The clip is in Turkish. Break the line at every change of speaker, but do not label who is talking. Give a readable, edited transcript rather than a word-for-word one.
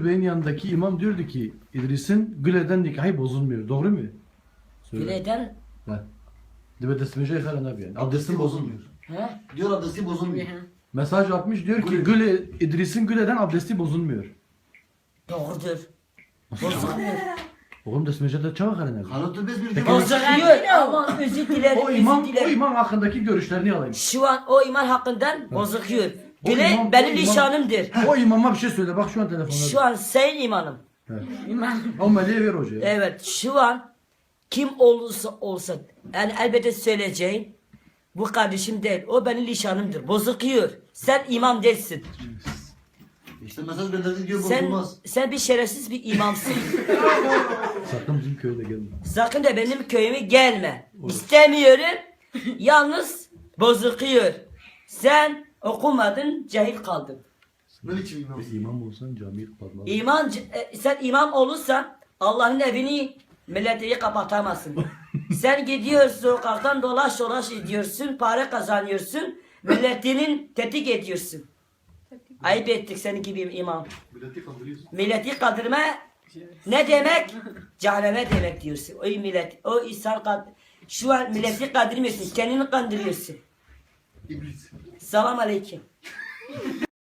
Müdür Bey'in yanındaki imam diyordu ki İdris'in Güle'den nikahı bozulmuyor. Doğru mu? Söyle.
Güleden.
Ha. Dibe desmece yıkaran abi yani. Abdestin bozulmuyor.
He?
Diyor abdesti bozulmuyor.
Mesaj atmış diyor ki
Güle.
Güle, İdris'in Güle'den abdesti bozulmuyor.
Doğrudur. Bozulmuyor.
Oğlum desmece de çabuk herhalde.
Kanıtı biz bir
Peki,
Bozuluyor ama özür dilerim.
O imam,
özür dilerim.
o imam hakkındaki görüşlerini alayım.
Şu an o iman hakkından bozuluyor.
O
Güle
imam-
benim
o imam-
nişanımdır.
O imama bir şey söyle. Bak şu an telefonda.
Şu an sen imanım.
Evet.
İman.
O meleğe ver hocaya.
Evet şu an kim olursa olsa yani elbette söyleyeceğim bu kardeşim değil o benim nişanımdır bozuluyor sen imam değilsin
İşte mesaj gönderdi diyor bozulmaz.
sen bir şerefsiz bir imamsın
Sakın bizim köye de gelme.
sakın da benim köyüme gelme istemiyorum yalnız bozuluyor sen okumadın cahil kaldın
Ne biçim imam?
İmam olsan camiyi kapatmaz.
İman, sen imam olursan Allah'ın evini milleti kapatamazsın. Sen gidiyorsun sokaktan dolaş dolaş ediyorsun, para kazanıyorsun, milletinin tetik ediyorsun. Ayıp ettik senin gibi imam.
Milleti kandırıyorsun.
Milleti kandırma ne demek? Cehenneme demek diyorsun. O millet, o insan şu an milleti kandırmıyorsun, kendini kandırıyorsun.
İblis.
Selam aleyküm.